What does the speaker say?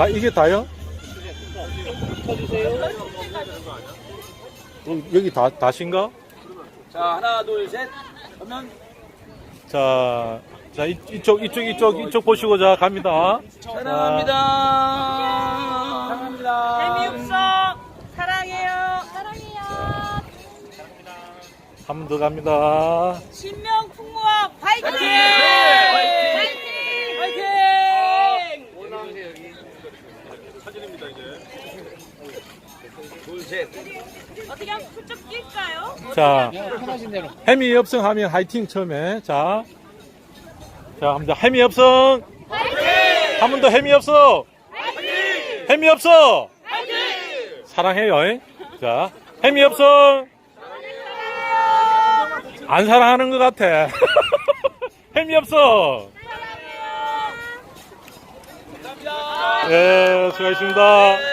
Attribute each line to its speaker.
Speaker 1: 이게 다요?
Speaker 2: 쳐주세요.
Speaker 1: 여기 다신가?
Speaker 2: 자, 하나, 둘, 셋. 그러면
Speaker 1: 자, 이쪽 보시고 자 갑니다.
Speaker 2: 사랑합니다. 사랑합니다.
Speaker 3: 재미없어. 사랑해요. 사랑해요.
Speaker 1: 한 번 더 갑니다.
Speaker 3: 신명 풍무학 화이팅!
Speaker 2: 화이팅!
Speaker 3: 화이팅!
Speaker 2: 올라오세요, 여기. 사진입니다, 이제. 둘, 셋.
Speaker 3: 어떻게 하면 그쪽 낄까요?
Speaker 1: 자,
Speaker 2: 편하신 대로.
Speaker 1: 해미 협성 하면 화이팅 처음에. 자, 합니다. 해미 협성. 한 번 더 해미 협성. 해미 협성. 사랑해요. 자, 해미 협성. 안 사랑하는 것 같아. 해미 협성.
Speaker 2: 감사합니다.
Speaker 1: 예, 수고하셨습니다.